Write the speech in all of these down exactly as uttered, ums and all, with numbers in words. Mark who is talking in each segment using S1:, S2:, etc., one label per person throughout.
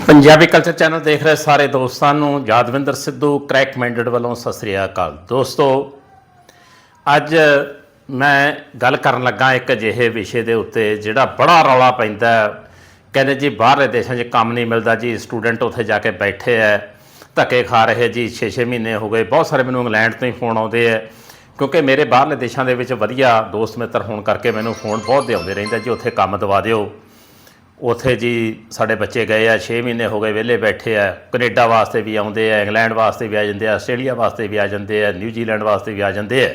S1: Punjabi culture channel ਦੇਖ ਰਹੇ ਸਾਰੇ ਦੋਸਤਾਂ ਨੂੰ ਯਾਦਵਿੰਦਰ ਸਿੱਧੂ ਕਰੈਕ ਮਾਈਂਡਡ ਵੱਲੋਂ ਸਤਿ ਸ੍ਰੀ ਅਕਾਲ। ਦੋਸਤੋ, ਅੱਜ ਮੈਂ ਗੱਲ ਕਰਨ ਲੱਗਾ ਇੱਕ ਅਜਿਹੇ ਵਿਸ਼ੇ ਦੇ ਉੱਤੇ ਜਿਹੜਾ ਬੜਾ ਰੌਲਾ ਪੈਂਦਾ। ਕਹਿੰਦੇ ਜੀ ਬਾਹਰਲੇ ਦੇਸ਼ਾਂ 'ਚ ਕੰਮ ਨਹੀਂ ਮਿਲਦਾ ਜੀ, ਸਟੂਡੈਂਟ ਉੱਥੇ ਜਾ ਕੇ ਬੈਠੇ ਹੈ, ਧੱਕੇ ਖਾ ਰਹੇ ਜੀ। ਛੇ ਛੇ ਮਹੀਨੇ ਹੋ ਗਏ। ਬਹੁਤ ਸਾਰੇ ਮੈਨੂੰ ਇੰਗਲੈਂਡ ਤੋਂ ਹੀ ਫੋਨ ਆਉਂਦੇ ਹੈ, ਕਿਉਂਕਿ ਮੇਰੇ ਬਾਹਰਲੇ ਦੇਸ਼ਾਂ ਦੇ ਵਿੱਚ ਵਧੀਆ ਦੋਸਤ ਮਿੱਤਰ ਹੋਣ ਕਰਕੇ ਮੈਨੂੰ ਫੋਨ ਬਹੁਤ ਆਉਂਦੇ ਰਹਿੰਦਾ ਜੀ, ਉੱਥੇ ਕੰਮ ਦਵਾ ਦਿਓ। ਉੱਥੇ ਜੀ ਸਾਡੇ ਬੱਚੇ ਗਏ ਆ, ਛੇ ਮਹੀਨੇ ਹੋ ਗਏ ਵਿਹਲੇ ਬੈਠੇ ਆ। ਕੈਨੇਡਾ ਵਾਸਤੇ ਵੀ ਆਉਂਦੇ ਆ, ਇੰਗਲੈਂਡ ਵਾਸਤੇ ਵੀ ਆ ਜਾਂਦੇ ਆ, ਆਸਟ੍ਰੇਲੀਆ ਵਾਸਤੇ ਵੀ ਆ ਜਾਂਦੇ ਆ, ਨਿਊਜ਼ੀਲੈਂਡ ਵਾਸਤੇ ਵੀ ਆ ਜਾਂਦੇ ਆ।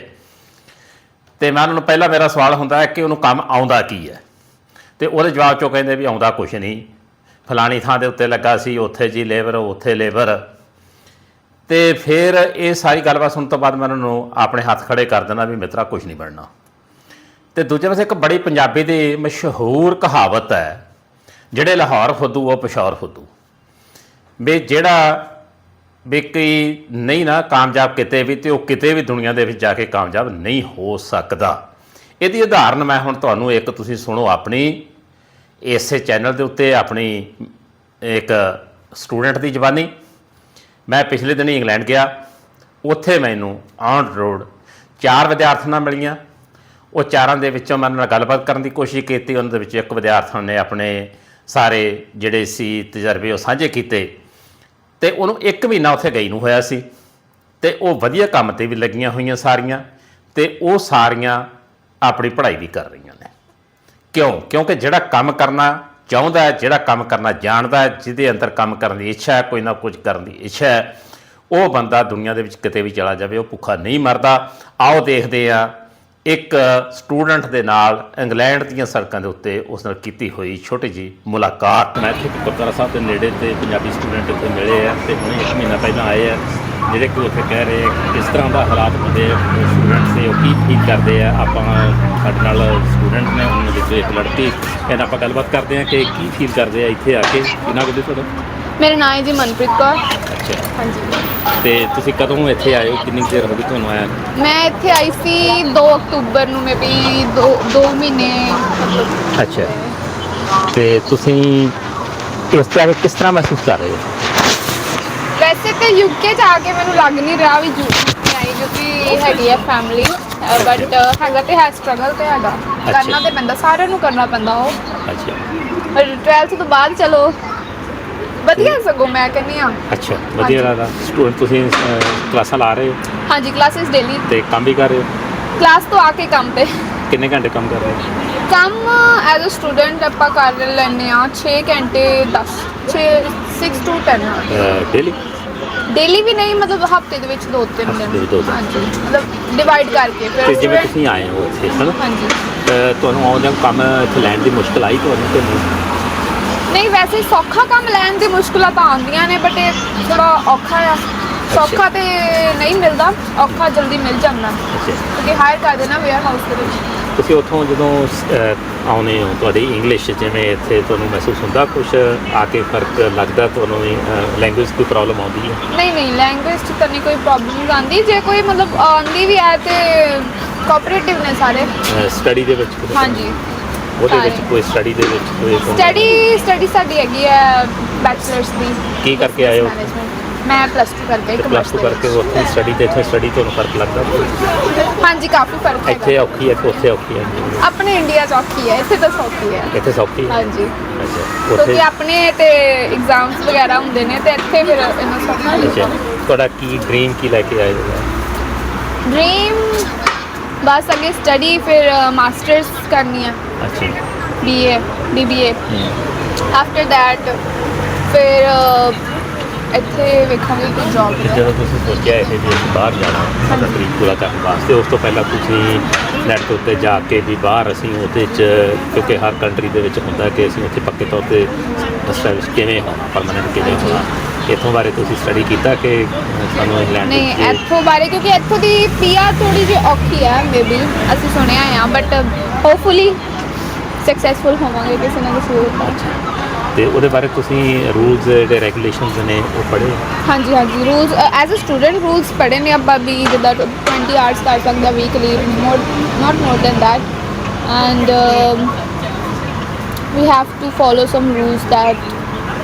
S1: ਅਤੇ ਮੈਂ ਉਹਨਾਂ ਨੂੰ ਪਹਿਲਾਂ ਮੇਰਾ ਸਵਾਲ ਹੁੰਦਾ ਹੈ ਕਿ ਉਹਨੂੰ ਕੰਮ ਆਉਂਦਾ ਕੀ ਹੈ, ਅਤੇ ਉਹਦੇ ਜਵਾਬ 'ਚੋਂ ਕਹਿੰਦੇ ਵੀ ਆਉਂਦਾ ਕੁਛ ਨਹੀਂ, ਫਲਾਣੀ ਥਾਂ ਦੇ ਉੱਤੇ ਲੱਗਾ ਸੀ, ਉੱਥੇ ਜੀ ਲੇਬਰ, ਉੱਥੇ ਲੇਬਰ। ਅਤੇ ਫਿਰ ਇਹ ਸਾਰੀ ਗੱਲਬਾਤ ਸੁਣਨ ਤੋਂ ਬਾਅਦ ਮੈਂ ਉਹਨਾਂ ਨੂੰ ਆਪਣੇ ਹੱਥ ਖੜ੍ਹੇ ਕਰ ਦੇਣਾ ਵੀ ਮਿੱਤਰਾ ਕੁਛ ਨਹੀਂ ਬਣਨਾ। ਅਤੇ ਦੂਜੇ ਪਾਸੇ ਇੱਕ ਬੜੀ ਪੰਜਾਬੀ ਦੀ ਮਸ਼ਹੂਰ ਕਹਾਵਤ ਹੈ, ਜਿਹੜੇ ਲਾਹੌਰ ਫੁੱਦੂ ਉਹ ਪਿਸ਼ੌਰ ਫੁੱਦੂ। ਵੀ ਜਿਹੜਾ ਵੀ ਕੋਈ ਨਹੀਂ ਨਾ ਕਾਮਯਾਬ ਕਿਤੇ ਵੀ, ਅਤੇ ਉਹ ਕਿਤੇ ਵੀ ਦੁਨੀਆ ਦੇ ਵਿੱਚ ਜਾ ਕੇ ਕਾਮਯਾਬ ਨਹੀਂ ਹੋ ਸਕਦਾ। ਇਹਦੀ ਉਦਾਹਰਨ ਮੈਂ ਹੁਣ ਤੁਹਾਨੂੰ ਇੱਕ ਤੁਸੀਂ ਸੁਣੋ ਆਪਣੀ ਇਸੇ ਚੈਨਲ ਦੇ ਉੱਤੇ, ਆਪਣੀ ਇੱਕ ਸਟੂਡੈਂਟ ਦੀ ਜ਼ਬਾਨੀ। ਮੈਂ ਪਿਛਲੇ ਦਿਨ ਇੰਗਲੈਂਡ ਗਿਆ, ਉੱਥੇ ਮੈਨੂੰ ਔਨ ਰੋਡ ਚਾਰ ਵਿਦਿਆਰਥਣਾਂ ਮਿਲੀਆਂ। ਉਹ ਚਾਰਾਂ ਦੇ ਵਿੱਚੋਂ ਮੈਂ ਉਹਨਾਂ ਨਾਲ ਗੱਲਬਾਤ ਕਰਨ ਦੀ ਕੋਸ਼ਿਸ਼ ਕੀਤੀ। ਉਹਨਾਂ ਦੇ ਵਿੱਚ ਇੱਕ ਵਿਦਿਆਰਥਣ ਨੇ ਆਪਣੇ ਸਾਰੇ ਜਿਹੜੇ ਸੀ ਤਜਰਬੇ ਉਹ ਸਾਂਝੇ ਕੀਤੇ, ਅਤੇ ਉਹਨੂੰ ਇੱਕ ਮਹੀਨਾ ਉੱਥੇ ਗਈ ਨੂੰ ਹੋਇਆ ਸੀ, ਅਤੇ ਉਹ ਵਧੀਆ ਕੰਮ 'ਤੇ ਵੀ ਲੱਗੀਆਂ ਹੋਈਆਂ ਸਾਰੀਆਂ, ਅਤੇ ਉਹ ਸਾਰੀਆਂ ਆਪਣੀ ਪੜ੍ਹਾਈ ਵੀ ਕਰ ਰਹੀਆਂ ਨੇ। ਕਿਉਂ? ਕਿਉਂਕਿ ਜਿਹੜਾ ਕੰਮ ਕਰਨਾ ਚਾਹੁੰਦਾ ਹੈ, ਜਿਹੜਾ ਕੰਮ ਕਰਨਾ ਜਾਣਦਾ ਹੈ, ਜਿਹਦੇ ਅੰਦਰ ਕੰਮ ਕਰਨ ਦੀ ਇੱਛਾ ਹੈ, ਕੋਈ ਨਾ ਕੁਝ ਕਰਨ ਦੀ ਇੱਛਾ ਹੈ, ਉਹ ਬੰਦਾ ਦੁਨੀਆ ਦੇ ਵਿੱਚ ਕਿਤੇ ਵੀ ਚਲਾ ਜਾਵੇ ਉਹ ਭੁੱਖਾ ਨਹੀਂ ਮਰਦਾ। ਆਓ ਦੇਖਦੇ ਹਾਂ ਇੱਕ ਸਟੂਡੈਂਟ ਦੇ ਨਾਲ ਇੰਗਲੈਂਡ ਦੀਆਂ ਸੜਕਾਂ ਦੇ ਉੱਤੇ ਉਸ ਨਾਲ ਕੀਤੀ ਹੋਈ ਛੋਟੀ ਜਿਹੀ ਮੁਲਾਕਾਤ। ਮੈਂ ਇੱਥੇ ਗੁਰਦੁਆਰਾ ਸਾਹਿਬ ਦੇ ਨੇੜੇ 'ਤੇ ਪੰਜਾਬੀ ਸਟੂਡੈਂਟ ਇੱਥੇ ਮਿਲੇ ਆ, ਅਤੇ ਹੁਣੇ ਇੱਕ ਮਹੀਨਾ ਪਹਿਲਾਂ ਆਏ ਆ, ਜਿਹੜੇ ਕਿ ਉੱਥੇ ਕਹਿ ਰਹੇ ਕਿਸ ਤਰ੍ਹਾਂ ਦਾ ਹਾਲਾਤ ਹੁੰਦੇ ਸਟੂਡੈਂਟ ਦੇ, ਉਹ ਕੀ ਫੀਲ ਕਰਦੇ ਆ। ਆਪਾਂ ਸਾਡੇ ਨਾਲ ਸਟੂਡੈਂਟ ਨੇ, ਉਹਨਾਂ ਵਿੱਚੋਂ ਇੱਕ ਲੜਕੀ, ਇਹਨਾਂ ਆਪਾਂ ਗੱਲਬਾਤ ਕਰਦੇ ਹਾਂ ਕਿ ਕੀ ਫੀਲ ਕਰਦੇ ਆ ਇੱਥੇ ਆ ਕੇ। ਕਿੰਨਾ ਕੁ ਤੁਹਾਡਾ?
S2: ਮੇਰਾ ਨਾਮ ਹੈ ਜੀ ਮਨਪ੍ਰੀਤ ਕੌਰ।
S1: ਅੱਛਾ,
S2: ਹਾਂਜੀ।
S1: ਅਤੇ ਤੁਸੀਂ ਕਦੋਂ ਇੱਥੇ ਆਏ ਹੋ? ਕਿੰਨੀ ਦੇਰ ਹੋ ਗਈ ਤੁਹਾਨੂੰ ਆਇਆ?
S2: ਮੈਂ ਇੱਥੇ ਆਈ ਸੀ ਦੋ ਅਕਤੂਬਰ ਨੂੰ, ਮੇ ਵੀ ਦੋ ਦੋ ਮਹੀਨੇ ਮਤਲਬ।
S1: ਅੱਛਾ, ਅਤੇ ਤੁਸੀਂ ਇਸ ਤਰ੍ਹਾਂ ਕਿਸ ਤਰ੍ਹਾਂ ਮਹਿਸੂਸ ਕਰ ਰਹੇ ਹੋ?
S2: ਵੈਸੇ ਤਾਂ ਯੂਕੇ 'ਚ ਆ ਕੇ ਮੈਨੂੰ ਲੱਗ ਨਹੀਂ ਰਿਹਾ ਵੀ ਯੂਕੇ ਆਈ, ਕਿਉਂਕਿ ਹੈਗੀ ਹੈ ਫੈਮਿਲੀ, ਬਟ ਹੈਗਾ ਤੇ ਹੈ ਸਟਰਗਲ ਤੇ ਹੈਗਾ, ਕਰਨਾ ਤੇ ਪੈਂਦਾ, ਸਾਰਿਆਂ ਨੂੰ ਕਰਨਾ ਪੈਂਦਾ ਉਹ।
S1: ਅੱਛਾ,
S2: ਪਰ ਟਵੈਲਥ ਤੋਂ ਬਾਅਦ ਚਲੋ ਵਧੀਆ ਸਗੋਂ ਮੈਂ ਕਹਿੰਦੀ ਹਾਂ।
S1: ਅੱਛਾ, ਵਧੀਆ ਲੱਗਦਾ। ਸਟੂਡੈਂਟ ਤੁਸੀਂ ਕਲਾਸਾਂ ਲਾ ਰਹੇ ਹੋ?
S2: ਹਾਂਜੀ, ਕਲਾਸਿਸ ਡੇਲੀ।
S1: ਅਤੇ ਕੰਮ ਵੀ ਕਰ ਰਹੇ ਹੋ?
S2: ਕਲਾਸ ਤੋਂ ਆ ਕੇ ਕੰਮ 'ਤੇ।
S1: ਕਿੰਨੇ ਘੰਟੇ ਕੰਮ ਕਰ ਰਹੇ ਹੋ?
S2: ਕੰਮ ਐਜ਼ ਅ ਸਟੂਡੈਂਟ ਆਪਾਂ ਕਰ ਲੈਂਦੇ ਹਾਂ ਛੇ ਘੰਟੇ, ਦਸ ਛੇ six two ten
S1: daily?
S2: Daily ਵੀ ਨਹੀਂ, ਮਤਲਬ ਹਫਤੇ ਦੇ ਵਿੱਚ ਦੋ ਤਿੰਨ ਦਿਨ। ਹਾਂਜੀ, ਮਤਲਬ ਡਿਵਾਈਡ ਕਰਕੇ।
S1: ਫਿਰ ਜਿਵੇਂ ਤੁਸੀਂ ਆਏ ਹੋ ਇੱਥੇ, ਹੈ ਨਾ?
S2: ਹਾਂਜੀ।
S1: ਤੁਹਾਨੂੰ ਆਉਂਦਿਆਂ ਕੰਮ ਇੱਥੇ ਲੈਣ ਦੀ ਮੁਸ਼ਕਿਲ ਆਈ ਤੁਹਾਨੂੰ ਕਿ ਨਹੀਂ?
S2: ਨਹੀਂ, ਵੈਸੇ ਸੌਖਾ ਕੰਮ ਲੈਣ ਦੀ ਮੁਸ਼ਕਿਲਾਂ ਤਾਂ ਆਉਂਦੀਆਂ ਨੇ, ਬਟ ਇਹ ਥੋੜਾ ਔਖਾ ਆ। ਸੌਖਾ ਤੇ ਨਹੀਂ ਮਿਲਦਾ, ਔਖਾ ਜਲਦੀ ਮਿਲ ਜਾਂਦਾ, ਕਿਉਂਕਿ ਹਾਇਰ ਕਰ ਦੇਣਾ ਵੇਅਰ ਹਾਊਸ ਦੇ ਵਿੱਚ।
S1: ਤੁਸੀਂ ਉੱਥੋਂ ਜਦੋਂ ਆਉਂਦੇ ਹੋ, ਤੁਹਾਡੀ ਇੰਗਲਿਸ਼ ਜਿਵੇਂ ਇੱਥੇ ਤੁਹਾਨੂੰ ਮਹਿਸੂਸ ਹੁੰਦਾ ਕੁਛ ਆ ਕੇ ਫਰਕ ਲੱਗਦਾ ਤੁਹਾਨੂੰ? ਲੈਂਗੁਏਜ ਕੋਈ ਪ੍ਰੋਬਲਮ ਆਉਂਦੀ ਹੈ?
S2: ਨਹੀਂ ਨਹੀਂ, ਲੈਂਗੁਏਜ 'ਚ ਤਾਂ ਨਹੀਂ ਕੋਈ ਪ੍ਰੋਬਲਮ ਆਉਂਦੀ। ਜੇ ਕੋਈ ਮਤਲਬ ਆਉਂਦੀ ਵੀ ਹੈ ਤੇ ਕੋਆਪਰੇਟਿਵ ਨੇ ਸਾਰੇ।
S1: ਸਟੱਡੀ ਦੇ ਵਿੱਚ?
S2: ਹਾਂਜੀ,
S1: ਉਹਦੇ ਵਿੱਚ ਕੋਈ ਸਟੱਡੀ ਦੇ ਵਿੱਚ ਕੋਈ
S2: ਸਟੱਡੀ ਸਟੱਡੀ ਸਾਡੀ ਹੈਗੀ ਹੈ ਬੈਚਲਰਸ ਦੀ।
S1: ਕੀ ਕਰਕੇ ਆਏ ਹੋ?
S2: ਮੈਂ ਪਲੱਸ ਟੂ ਕਰਕੇ।
S1: ਪਲੱਸ ਟੂ ਕਰਕੇ ਉੱਥੇ ਸਟੱਡੀ ਤੇ ਇੱਥੇ ਸਟੱਡੀ ਤੁਹਾਨੂੰ ਫਰਕ ਲੱਗਦਾ?
S2: ਹਾਂਜੀ, ਕਾਫੀ ਫਰਕ ਹੈ।
S1: ਇੱਥੇ ਔਖੀ ਹੈ ਕਿ ਉੱਥੇ ਔਖੀ ਹੈ?
S2: ਆਪਣੇ ਇੰਡੀਆ 'ਚ ਔਖੀ ਹੈ, ਇੱਥੇ ਤਾਂ ਸੌਖੀ ਹੈ।
S1: ਇੱਥੇ ਸੌਖੀ ਹੈ?
S2: ਹਾਂਜੀ।
S1: ਅੱਛਾ,
S2: ਕਿਉਂਕਿ ਆਪਣੇ ਤੇ ਐਗਜ਼ਾਮਸ ਵਗੈਰਾ ਹੁੰਦੇ ਨੇ, ਤੇ ਇੱਥੇ ਫਿਰ ਇੰਨਾ ਸੌਖਾ ਨਹੀਂ।
S1: ਅੱਛਾ, ਤੁਹਾਡਾ ਕੀ ਡ੍ਰੀਮ ਕੀ ਲੈ ਕੇ ਆਏ ਹੋ?
S2: ਡ੍ਰੀਮ ਬਸ ਅੱਗੇ ਸਟੱਡੀ, ਫਿਰ ਮਾਸਟਰਸ ਕਰਨੀ ਹੈ।
S1: ਅੱਛਾ,
S2: B A B B A. After that ਫਿਰ ਇੱਥੇ ਵੇਖਾਂਗੇ ਕੋਈ ਜੌਬ।
S1: ਜਦੋਂ ਤੁਸੀਂ ਸੋਚਿਆ ਇਹ ਵੀ ਬਾਹਰ ਜਾਣਾ ਸਾਡਾ ਡ੍ਰੀਮ ਪੂਰਾ ਕਰਨ ਵਾਸਤੇ, ਉਸ ਤੋਂ ਪਹਿਲਾਂ ਤੁਸੀਂ ਨੈੱਟ ਉੱਤੇ ਜਾ ਕੇ ਵੀ ਬਾਹਰ ਅਸੀਂ ਉਹਦੇ 'ਚ, ਕਿਉਂਕਿ ਹਰ ਕੰਟਰੀ ਦੇ ਵਿੱਚ ਹੁੰਦਾ ਕਿ ਅਸੀਂ ਉੱਥੇ ਪੱਕੇ ਤੌਰ 'ਤੇ ਸਟੈਬਲਿਸ਼ ਕਿਵੇਂ ਹੋਣਾ, ਪਰਮਾਨੈਂਟ ਕਿਵੇਂ ਹੋਣਾ, ਇੱਥੋਂ ਬਾਰੇ ਤੁਸੀਂ ਸਟੱਡੀ ਕੀਤਾ ਕਿ ਸਾਨੂੰ ਇੰਗਲੈਂਡ?
S2: ਨਹੀਂ, ਇੱਥੋਂ ਬਾਰੇ ਕਿਉਂਕਿ ਇੱਥੋਂ ਦੀ ਪੀ ਆਰ ਥੋੜ੍ਹੀ ਜਿਹੀ ਔਖੀ ਹੈ, ਮੇ ਬੀ ਅਸੀਂ ਸੁਣਿਆ ਆ, ਬਟ ਹੋਪਫੁਲੀ ਸਕਸੈਸਫੁਲ ਹੋਵਾਂਗੇ ਕਿਸੇ ਨਾ ਕਿਸੇ ਰੂਪ।
S1: ਅਤੇ ਉਹਦੇ ਬਾਰੇ ਤੁਸੀਂ ਰੂਲਸ ਜਿਹੜੇ ਰੈਗੂਲੇਸ਼ਨਸ ਨੇ ਉਹ ਪੜ੍ਹੇ?
S2: ਹਾਂਜੀ ਹਾਂਜੀ, rules as a student rules ਪੜ੍ਹੇ ਨੇ ਆਪਾਂ ਵੀ, ਜਿੱਦਾਂ ਟਵੈਂਟੀ ਆਵਰਸ ਕਰ ਸਕਦਾ weekly, more not more than that, and we have to follow some rules that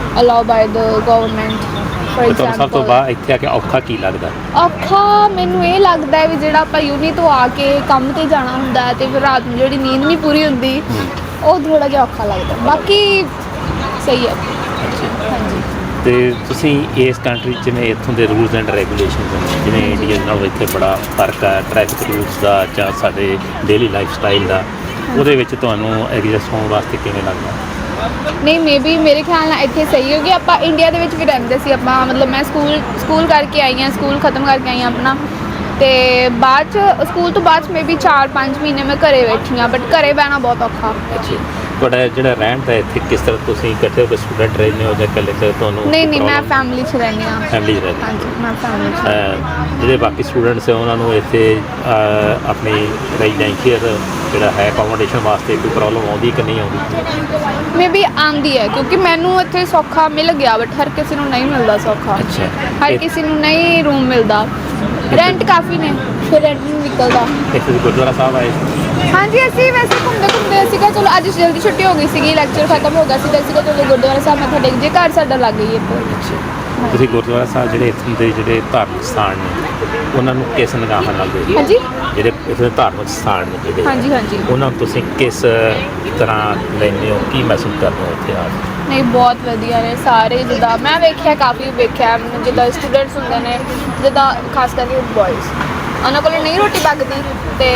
S2: allow by the government for
S1: ਤੁਹਾਨੂੰ ਸਭ ਤੋਂ
S2: ਐਗਜ਼ਾਮਪਲ।
S1: ਬਾਅਦ ਇੱਥੇ ਆ ਕੇ ਔਖਾ ਕੀ ਲੱਗਦਾ?
S2: ਔਖਾ ਮੈਨੂੰ ਇਹ ਲੱਗਦਾ ਹੈ ਵੀ ਜਿਹੜਾ ਆਪਾਂ ਯੂਨੀ ਤੋਂ ਆ ਕੇ ਕੰਮ ਤੇ ਜਾਣਾ ਹੁੰਦਾ ਹੈ ਤੇ ਫਿਰ ਰਾਤ ਨੂੰ ਜਿਹੜੀ ਨੀਂਦ ਨਹੀਂ ਪੂਰੀ ਹੁੰਦੀ, ਉਹ ਥੋੜਾ ਜਿਹਾ ਔਖਾ ਲੱਗਦਾ। ਬਾਕੀ ਸਹੀ ਹੈ। ਹਾਂਜੀ।
S1: ਤੇ ਤੁਸੀਂ ਇਸ ਕੰਟਰੀ 'ਚ ਜਿਵੇਂ ਇੱਥੋਂ ਦੇ ਰੂਲਸ ਐਂਡ ਰੈਗੂਲੇਸ਼ਨਸ ਨੇ, ਜਿਵੇਂ ਇੰਡੀਆ ਨਾਲੋਂ ਇੱਥੇ ਬੜਾ ਫਰਕ ਹੈ ਟ੍ਰੈਫਿਕ ਰੂਲਸ ਦਾ ਜਾਂ ਸਾਡੇ ਡੇਲੀ ਲਾਈਫ ਸਟਾਈਲ ਦਾ, ਉਹਦੇ ਵਿੱਚ ਤੁਹਾਨੂੰ ਐਡਜਸਟ ਹੋਣ ਵਾਸਤੇ ਕਿਵੇਂ ਲੱਗਦਾ?
S2: ਨਹੀਂ ਮੇ ਬੀ ਮੇਰੇ ਖਿਆਲ ਨਾਲ ਇੱਥੇ ਸਹੀ ਹੋ ਗਿਆ। ਆਪਾਂ ਇੰਡੀਆ ਦੇ ਵਿੱਚ ਵੀ ਰਹਿੰਦੇ ਸੀ, ਆਪਾਂ ਮਤਲਬ ਮੈਂ ਸਕੂਲ ਸਕੂਲ ਕਰਕੇ ਆਈ ਹਾਂ, ਸਕੂਲ ਖਤਮ ਕਰਕੇ ਆਈ ਹਾਂ ਆਪਣਾ, ਤੇ ਬਾਅਦ 'ਚ ਸਕੂਲ ਤੋਂ ਬਾਅਦ 'ਚ ਮੇ ਬੀ ਚਾਰ ਪੰਜ ਮਹੀਨੇ ਮੈਂ ਘਰੇ ਬੈਠੀ ਹਾਂ, ਬਟ ਘਰੇ ਬਹਿਣਾ ਬਹੁਤ ਔਖਾ।
S1: ਅੱਛਾ, ਤੁਹਾਡਾ ਜਿਹੜਾ ਰਹਿਣ ਦਾ ਇੱਥੇ ਕਿਸ ਤਰ੍ਹਾਂ, ਤੁਸੀਂ ਇਕੱਠੇ ਹੋ ਕੇ ਸਟੂਡੈਂਟ ਰਹਿੰਦੇ ਹੋ ਜਾਂ ਇਕੱਲੇ ਤੇ ਤੁਹਾਨੂੰ?
S2: ਨਹੀਂ ਨਹੀਂ ਮੈਂ ਫੈਮਿਲੀ 'ਚ ਰਹਿੰਦੀ ਹਾਂ।
S1: ਫੈਮਿਲੀ 'ਚ ਰਹਿੰਦੇ?
S2: ਹਾਂਜੀ ਮੈਂ ਫੈਮਿਲੀ 'ਚ।
S1: ਅਹ ਜਿਹੜੇ ਬਾਕੀ ਸਟੂਡੈਂਟਸ ਹੈ ਉਹਨਾਂ ਨੂੰ ਇੱਥੇ ਅਹ, ਆਪਣੀ ਰੈਜ਼ੀਡੈਂਸ਼ੀਅਲ ਜਿਹੜਾ ਹੈ ਅਕੋਮੋਡੇਸ਼ਨ ਵਾਸਤੇ ਕੋਈ ਪ੍ਰੋਬਲਮ ਆਉਂਦੀ ਕਿ ਨਹੀਂ ਆਉਂਦੀ?
S2: ਮੇ ਬੀ ਆਉਂਦੀ ਹੈ ਕਿਉਂਕਿ ਮੈਨੂੰ ਇੱਥੇ ਸੌਖਾ ਮਿਲ ਗਿਆ, ਬਟ ਹਰ ਕਿਸੇ ਨੂੰ ਨਹੀਂ ਮਿਲਦਾ ਸੌਖਾ।
S1: ਅੱਛਾ।
S2: ਹਰ
S1: ਇਹ-
S2: ਕਿਸੇ ਨੂੰ ਨਹੀਂ ਰੂਮ ਮਿਲਦਾ, ਰੈਂਟ ਕਾਫੀ ਨੇ, ਫਿਰ ਰੈਂਟ ਨਹੀਂ ਨਿਕਲਦਾ।
S1: ਇੱਥੇ ਤੁਸੀਂ ਗੁਰਦੁਆਰਾ ਸਾਹਿਬ ਆਏ?
S2: ਹਾਂਜੀ ਅਸੀਂ ਵੈਸੇ ਘੁੰਮਦੇ ਘੁੰਮਦੇ ਅਸੀਂ ਕਿਹਾ ਚਲੋ ਅੱਜ ਜਲਦੀ ਛੁੱਟੀ ਹੋ ਗਈ ਸੀਗੀ, ਲੈਕਚਰ ਖਤਮ ਹੋ ਗਿਆ ਸੀ, ਤਾਂ ਅਸੀਂ ਕਿਹਾ ਚਲੋ ਗੁਰਦੁਆਰਾ ਸਾਹਿਬ ਮੱਥਾ ਟੇਕ ਜੇ, ਘਰ ਸਾਡਾ ਲੱਗ ਗਈ ਇੱਥੇ।
S1: ਤੁਸੀਂ ਗੁਰਦੁਆਰਾ ਸਾਹਿਬ ਜਿਹੜੇ ਇੱਥੋਂ ਦੇ ਜਿਹੜੇ ਧਾਰਮਿਕ ਸਥਾਨ ਨੇ ਉਹਨਾਂ ਨੂੰ ਕਿਸ ਨਿਗਾਹਾਂ ਨਾਲ ਦੇਖਦੇ ਹੋ?
S2: ਹਾਂਜੀ
S1: ਜਿਹੜੇ ਇੱਥੇ ਦੇ ਧਾਰਮਿਕ ਸਥਾਨ ਨੇ ਜਿਹੜੇ
S2: ਹਾਂਜੀ ਹਾਂਜੀ
S1: ਉਹਨਾਂ ਨੂੰ ਤੁਸੀਂ ਕਿਸ ਤਰ੍ਹਾਂ ਲੈਂਦੇ ਹੋ, ਕੀ ਮਹਿਸੂਸ ਕਰਦੇ ਹੋ ਇੱਥੇ ਆ ਕੇ?
S2: ਨਹੀਂ ਬਹੁਤ ਵਧੀਆ ਨੇ ਸਾਰੇ, ਜਿੱਦਾਂ ਮੈਂ ਵੇਖਿਆ ਕਾਫੀ ਵੇਖਿਆ, ਜਿੱਦਾਂ ਸਟੂਡੈਂਟਸ ਹੁੰਦੇ ਨੇ, ਜਿੱਦਾਂ ਖਾਸ ਕਰਕੇ ਬॉयਜ਼, ਉਹਨਾਂ ਕੋਲ ਨਹੀਂ ਰੋਟੀ ਪੱਕਦੀ ਤੇ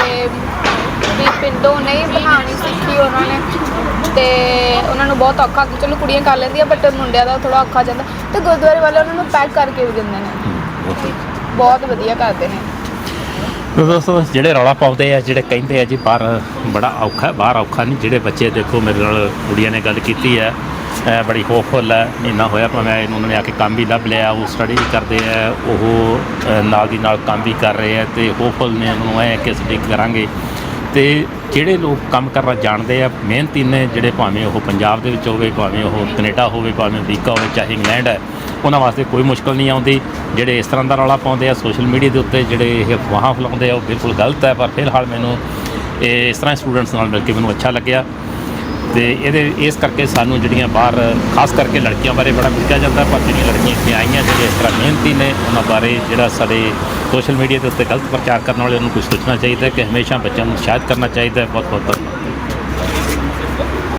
S2: ਵੀ ਪਿੰਡੋਂ ਨਹੀਂ ਬਣਾਉਣੀ ਸਿੱਖੀ ਉਹਨਾਂ ਨੇ, ਤੇ ਉਹਨਾਂ ਨੂੰ ਬਹੁਤ ਔਖਾ, ਚਲੋ ਕੁੜੀਆਂ ਕਰ ਲੈਂਦੀਆਂ ਬਟ ਮੁੰਡਿਆਂ ਦਾ ਥੋੜਾ ਔਖਾ ਜਾਂਦਾ, ਤੇ ਗੁਰਦੁਆਰੇ ਵਾਲੇ ਉਹਨਾਂ ਨੂੰ ਪੈਕ ਕਰਕੇ ਵੀ ਦਿੰਦੇ ਨੇ, ਬਹੁਤ ਵਧੀਆ ਕਰਦੇ ਨੇ।
S1: ਤਾਂ ਦੋਸਤੋ ਜਿਹੜੇ ਰੌਲਾ ਪਾਉਂਦੇ ਆ, ਜਿਹੜੇ ਕਹਿੰਦੇ ਆ ਜੀ ਬਾਹਰ ਬੜਾ ਔਖਾ, ਬਾਹਰ ਔਖਾ ਨਹੀਂ, ਜਿਹੜੇ ਬੱਚੇ ਦੇਖੋ ਮੇਰੇ ਨਾਲ ਕੁੜੀਆਂ ਨੇ ਗੱਲ ਕੀਤੀ ਹੈ, ਇਹ ਬੜੀ ਹੋਪਫੁੱਲ ਹੈ, ਮਹੀਨਾ ਹੋਇਆ ਭਾਵੇਂ ਇਹਨੂੰ ਉਹਨਾਂ ਨੇ ਆ ਕੇ ਕੰਮ ਵੀ ਲੱਭ ਲਿਆ, ਉਹ ਸਟੱਡੀ ਵੀ ਕਰਦੇ ਆ, ਉਹ ਅ, ਨਾਲ ਦੀ ਨਾਲ ਕੰਮ ਵੀ ਕਰ ਰਹੇ ਆ ਤੇ ਹੋਪਫੁੱਲ ਨੇ, ਉਹਨਾਂ ਨੂੰ ਐ ਕਿ ਅਸੀਂ ਕਰਾਂਗੇ। ਤੇ ਜਿਹੜੇ ਲੋਕ ਕੰਮ ਕਰਨਾ ਜਾਣਦੇ ਆ, ਮਿਹਨਤੀ ਨੇ, ਜਿਹੜੇ ਭਾਵੇਂ ਉਹ ਪੰਜਾਬ ਦੇ ਵਿੱਚ ਹੋਵੇ, ਭਾਵੇਂ ਉਹ ਕੈਨੇਡਾ ਹੋਵੇ, ਭਾਵੇਂ ਅਮਰੀਕਾ ਹੋਵੇ, ਚਾਹੇ ਇੰਗਲੈਂਡ ਹੈ, ਉਹਨਾਂ ਵਾਸਤੇ ਕੋਈ ਮੁਸ਼ਕਲ ਨਹੀਂ ਆਉਂਦੀ। ਜਿਹੜੇ ਇਸ ਤਰ੍ਹਾਂ ਦਾ ਰੌਲਾ ਪਾਉਂਦੇ ਆ ਸੋਸ਼ਲ ਮੀਡੀਆ ਦੇ ਉੱਤੇ, ਜਿਹੜੇ ਇਹ ਅਫਵਾਹਾਂ ਫੈਲਾਉਂਦੇ ਆ, ਉਹ ਬਿਲਕੁਲ ਗਲਤ ਹੈ। ਪਰ ਫਿਲਹਾਲ ਮੈਨੂੰ ਇਹ ਇਸ ਤਰ੍ਹਾਂ ਸਟੂਡੈਂਟਸ ਨਾਲ ਮਿਲ ਕੇ ਮੈਨੂੰ ਅੱਛਾ ਲੱਗਿਆ, ਤੇ ਇਹਦੇ ਇਸ ਕਰਕੇ ਸਾਨੂੰ ਜਿਹੜੀਆਂ ਬਾਹਰ ਖਾਸ ਕਰਕੇ ਲੜਕੀਆਂ ਬਾਰੇ ਬੜਾ ਪੁੱਛਿਆ ਜਾਂਦਾ, ਪਰ ਜਿਹੜੀਆਂ ਲੜਕੀਆਂ ਇੱਥੇ ਆਈਆਂ ਜਿਹੜੀਆਂ ਇਸ ਤਰ੍ਹਾਂ ਮਿਹਨਤੀ ਨੇ, ਉਹਨਾਂ ਬਾਰੇ ਜਿਹੜਾ ਸਾਡੇ ਸੋਸ਼ਲ ਮੀਡੀਆ ਦੇ ਉੱਤੇ ਗਲਤ ਪ੍ਰਚਾਰ ਕਰਨ ਵਾਲੇ ਉਹਨੂੰ ਕੁਝ ਸੋਚਣਾ ਚਾਹੀਦਾ ਕਿ ਹਮੇਸ਼ਾ ਬੱਚਿਆਂ ਨੂੰ ਉਤਸ਼ਾਹਿਤ ਕਰਨਾ ਚਾਹੀਦਾ ਹੈ। ਬਹੁਤ ਬਹੁਤ ਧੰਨਵਾਦ।